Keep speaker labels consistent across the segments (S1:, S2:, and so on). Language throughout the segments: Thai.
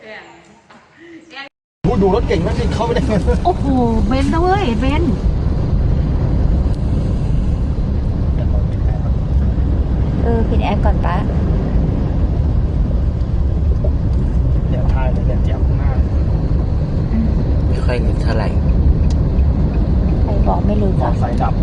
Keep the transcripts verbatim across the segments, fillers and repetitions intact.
S1: ดูดูรถเก่งมากที่เข้าไม่ได้
S2: โอ้โหเบนซ์นะเว้ยเบนซ์เออปิดแอร์ก่อนปะ
S1: เดี๋ยวทายเลยเนี่ยเจียบข้างหน้า
S3: ไม่ค่อยนึกเท่าไหร่
S2: ใครบอกไม่รู้
S1: มอ
S2: จัก
S1: ไซค์ดับ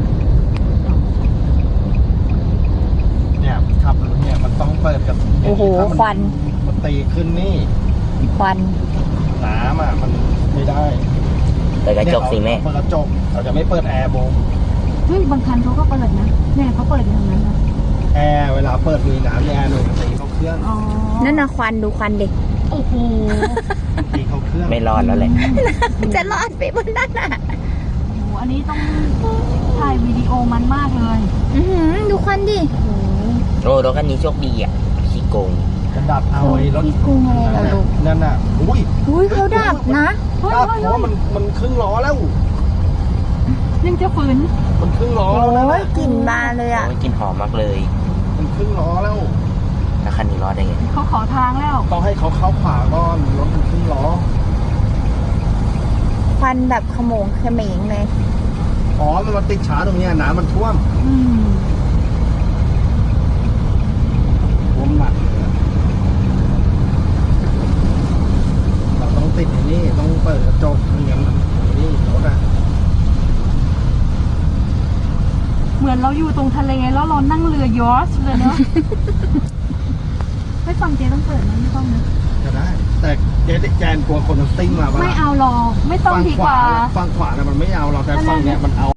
S1: เนี่ยขับรถเนี่ยมันต้องเปิดกับ
S2: โอ้โหควัน
S1: มันตีขึ้นนี่
S2: ควัน
S1: น้ำอ่ะมันไม่ได้
S3: เปิดกระจกสิแม่
S1: เปิดกระจกเราจะไม่เปิดแอร์โบง
S2: เฮ้ยบางคันเขาก็เปิดนะเนี่ยเขาเปิดอยู่ตรงนั้นนะ
S1: แอร์เวลาเปิดมีน้ำในแอร์หน่วยตีเข้าเครื่อง
S2: อ๋อนั่นนะควันดูควันเด็กโอ้โห
S1: ตีเข้าเครื่อง
S3: ไม่รอดแล้วแหละ
S2: จะรอดไปบนนั้นอ่ะโอ้โหอันนี้ต้องถ่ายวิดีโอมันมากเลยอือหือดูควันดิโอ้โห
S3: โอ้รถคันนี้โชคดีอ่ะขี้โกง
S1: จะดับเอาไอ้รถ
S2: พี่กรุงอะไรเหรอลูก
S1: นั่นน่ะอุ้ย
S2: อุ้ยเขาดับนะเฮ้ย
S1: ดับ
S2: เฮ้ย
S1: เพราะ
S2: เฮ้ย
S1: มันมันครึ่งล้อแล้ว
S2: ยังจะฝืน
S1: มันครึ่งล้อ
S2: โอ้
S1: แล้วนะ
S2: ยกลิ่นมาเลยอ่ะ
S3: โอ้ยกลินหอมมากเลย
S1: มันครึ่งล้อแล้ว
S3: แล้วคันนี้รอดได้ไง
S2: เขาขอทางแล้ว
S1: ต้องให้เขาเข้าขวาก่อนรถมันครึ่งล้อ
S2: ควันแบบขโมงเขมงเลย
S1: อ๋อมันมาติดช้าตรงเนี้ยน้ำมันท่วม
S2: อืม
S1: ท่วมหนักเลยอะเราต้องติดไอ้นี่ต้องเปิดกระจกไม่งั้นมันไอ้นี่รถอะ
S2: เหมือนเราอยู่ตรงทะเลแล้วเรานั่งเรือยอชต์เลยเนาะ ไม่ฟังเจต้องเปิดนะไม่ต้องนะ
S1: จะได้ แต่เจ๊แจนกลัวคนมันซิ่งมาปะ
S2: ไม่
S1: ล่ะ
S2: เอาหรอกไม่ต้อง
S1: ฝั่ง
S2: ดี
S1: ข
S2: ก
S1: วา
S2: ว่า
S1: ฝั่งขวาน่ะมันไม่เอาเราแต่ฝั่งเนี้ยมันเอา